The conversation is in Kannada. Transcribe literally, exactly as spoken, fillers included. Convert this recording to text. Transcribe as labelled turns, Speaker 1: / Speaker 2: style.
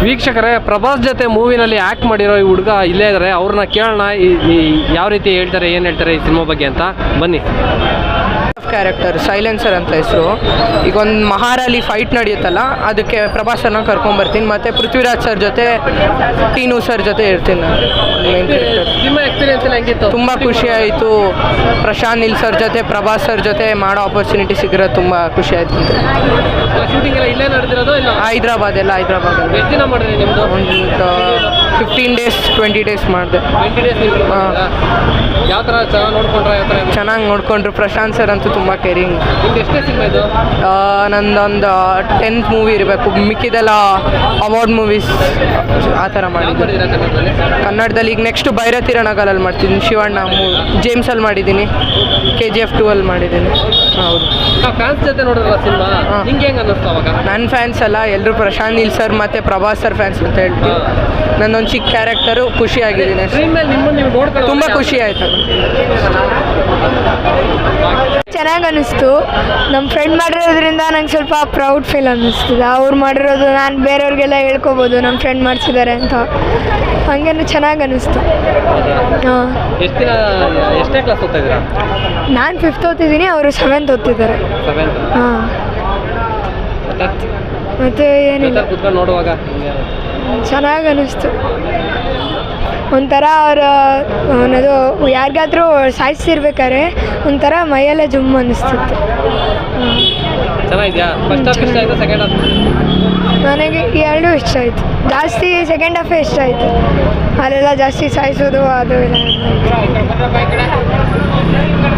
Speaker 1: ವೀಕ್ಷಕರೇ, ಪ್ರಭಾಸ್ ಜೊತೆ ಮೂವಿನಲ್ಲಿ ಆ್ಯಕ್ಟ್ ಮಾಡಿರೋ ಈ ಹುಡುಗ ಇಲ್ಲೇ ಇದ್ದಾರೆ. ಅವ್ರನ್ನ ಕೇಳೋಣ ಯಾವ ರೀತಿ ಹೇಳ್ತಾರೆ, ಏನು ಹೇಳ್ತಾರೆ ಈ ಸಿನಿಮಾ ಬಗ್ಗೆ ಅಂತ. ಬನ್ನಿ.
Speaker 2: ಕ್ಯಾರೆಕ್ಟರ್ ಸೈಲೆನ್ಸರ್ ಅಂತ ಹೆಸರು. ಈಗ ಒಂದು ಮಹಾರಾಲಿ ಫೈಟ್ ನಡೆಯುತ್ತಲ್ಲ, ಅದಕ್ಕೆ ಪ್ರಭಾಸನ್ನ ಕರ್ಕೊಂಡ್ಬರ್ತೀನಿ. ಮತ್ತು ಪೃಥ್ವಿರಾಜ್ ಸರ್ ಜೊತೆ, ಟೀನು ಸರ್ ಜೊತೆ ಇರ್ತೀನಿ ನಾನು. Main character.
Speaker 1: ನಿಮ್ಮ ಎಕ್ಸ್ಪೀರಿಯನ್ಸ್ ಎಲ್ಲ ಹೆಂಗಿತ್ತು?
Speaker 2: ತುಂಬ ಖುಷಿ ಆಯಿತು. ಪ್ರಶಾಂತ್ ನೀಲ್ ಸರ್ ಜೊತೆ, ಪ್ರಭಾಸ್ ಸರ್ ಜೊತೆ ಮಾಡೋ ಆಪರ್ಚುನಿಟಿ ಸಿಗಿರೋದು ತುಂಬ ಖುಷಿ ಆಯಿತು.
Speaker 1: ಶೂಟಿಂಗ್ ಎಲ್ಲ ಇಲ್ಲೇ ನಡೆದಿರೋದು ಇಲ್ಲ?
Speaker 2: ಹೈದ್ರಾಬಾದ್ ಎಲ್ಲ ಹೈದ್ರಾಬಾದ್.
Speaker 1: ಎಷ್ಟು ದಿನ ಮಾಡಿದ್ರಿ ನಿಮ್ಮದು?
Speaker 2: ಒಂದು ಫಿಫ್ಟೀನ್ ಡೇಸ್ ಟ್ವೆಂಟಿ ಡೇಸ್ ಮಾಡಿದೆ.
Speaker 1: ಟ್ವೆಂಟಿ ಡೇಸ್ ಹಾಂ. ಯಾವ ಥರ ಚೆನ್ನಾಗಿ ನೋಡ್ಕೊಂಡ್ರೆ? ಯಾವ ಥರ
Speaker 2: ಚೆನ್ನಾಗಿ ನೋಡಿಕೊಂಡ್ರು. ಪ್ರಶಾಂತ್ ಸರ್ ಅಂತೂ ತುಂಬ ಕೇರಿಂಗ್.
Speaker 1: ನಿಮ್ದು ಎಷ್ಟೇ ಸಿನಿಮಾ ಇದು?
Speaker 2: ನಂದೊಂದು ಟೆಂತ್ ಮೂವಿ ಇರಬೇಕು. ಮಿಕ್ಕಿದೆಲ್ಲ ಅವಾರ್ಡ್ ಮೂವೀಸ್ ಆ ಥರ ಮಾಡಿದ್ದೀನಿ ಕನ್ನಡದಲ್ಲಿ. ಈಗ ನೆಕ್ಸ್ಟ್ ಭೈರತಿ ರಣಗಾಲಲ್ಲಿ ಮಾಡ್ತಿದ್ದೀನಿ. ಶಿವಣ್ಣ ಮೂವಿ ಜೇಮ್ಸಲ್ಲಿ ಮಾಡಿದ್ದೀನಿ. ಕೆ ಜಿ ಎಫ್ ಟೂ ಅಲ್ಲಿ ಮಾಡಿದ್ದೀನಿ. ಹೌದು.
Speaker 1: ಫ್ಯಾನ್ಸ್ ಜೊತೆ ನೋಡಿದ್ರಲ್ಲ ಸಿನಿಮಾ, ನಿಂಗೆ ಹೆಂಗೆ ಅನ್ನಿಸ್ತು ಅವಾಗ?
Speaker 2: ನನ್ನ ಫ್ಯಾನ್ಸ್ ಅಲ್ಲ, ಎಲ್ಲರೂ ಪ್ರಶಾಂತ್ ನೀಲ್ ಸರ್ ಮತ್ತು ಪ್ರಭಾಸ್ ಸರ್ ಫ್ಯಾನ್ಸ್ ಅಂತ ಹೇಳ್ತೀನಿ. ನನ್ನೊಂದು ಚಿಕ್ಕ ಕ್ಯಾರೆಕ್ಟರು ಖುಷಿಯಾಗಿದ್ದೀನಿ. ತುಂಬ ಖುಷಿ ಆಯಿತು.
Speaker 3: ಚೆನ್ನಾಗಿ ಅನ್ನಿಸ್ತು. ನಮ್ಮ ಫ್ರೆಂಡ್ ಮಾಡಿರೋದ್ರಿಂದ ನಂಗೆ ಸ್ವಲ್ಪ ಪ್ರೌಡ್ ಫೀಲ್ ಅನ್ನಿಸ್ತದೆ. ಅವ್ರು ಮಾಡಿರೋದು ನಾನು ಬೇರೆಯವ್ರಿಗೆಲ್ಲ ಹೇಳ್ಕೊಬೋದು ನಮ್ಮ ಫ್ರೆಂಡ್ ಮಾಡಿಸಿದ್ದಾರೆ ಅಂತ. ಹಾಗೇನು ಚೆನ್ನಾಗಿ ಅನ್ನಿಸ್ತು. ಹಾಂ.
Speaker 1: ಎಷ್ಟು ದಿನ ಎಷ್ಟೇ ಕ್ಲಾಸ್ ಓದ್ತಾ ಇದ್ದೀರಾ?
Speaker 3: ನಾನು ಫಿಫ್ತ್ ಓದ್ತಿದ್ದೀನಿ, ಅವರು ಸೆವೆಂತ್ ಓದ್ತಿದ್ದಾರೆ. ಹಾಂ. ಮತ್ತು ಏನಿಲ್ಲ,
Speaker 1: ನೋಡುವಾಗ
Speaker 3: ಚೆನ್ನಾಗಿ ಅನ್ನಿಸ್ತು. ಒಂಥರ ಅವ್ರ ಅನ್ನೋದು ಯಾರಿಗಾದ್ರೂ ಸಾಯಿಸಿರ್ಬೇಕಾದ್ರೆ ಒಂಥರ ಮೈಯೆಲ್ಲ ಜುಮ್ ಅನ್ನಿಸ್ತಿತ್ತು.
Speaker 1: ಚೆನ್ನಾಗಿದೆಯಾ? ಫಸ್ಟ್ ಹಾಫ್ ಇಷ್ಟ ಆಯಿತು, ಸೆಕೆಂಡ್ ಹಾಫ್?
Speaker 3: ನನಗೆ ಎರಡೂ ಇಷ್ಟ ಆಯಿತು. ಜಾಸ್ತಿ ಸೆಕೆಂಡ್ ಹಾಫೇ ಇಷ್ಟ ಆಯಿತು. ಅಲ್ಲೆಲ್ಲ ಜಾಸ್ತಿ ಸಾಯಿಸೋದು ಅದು ಇಲ್ಲ.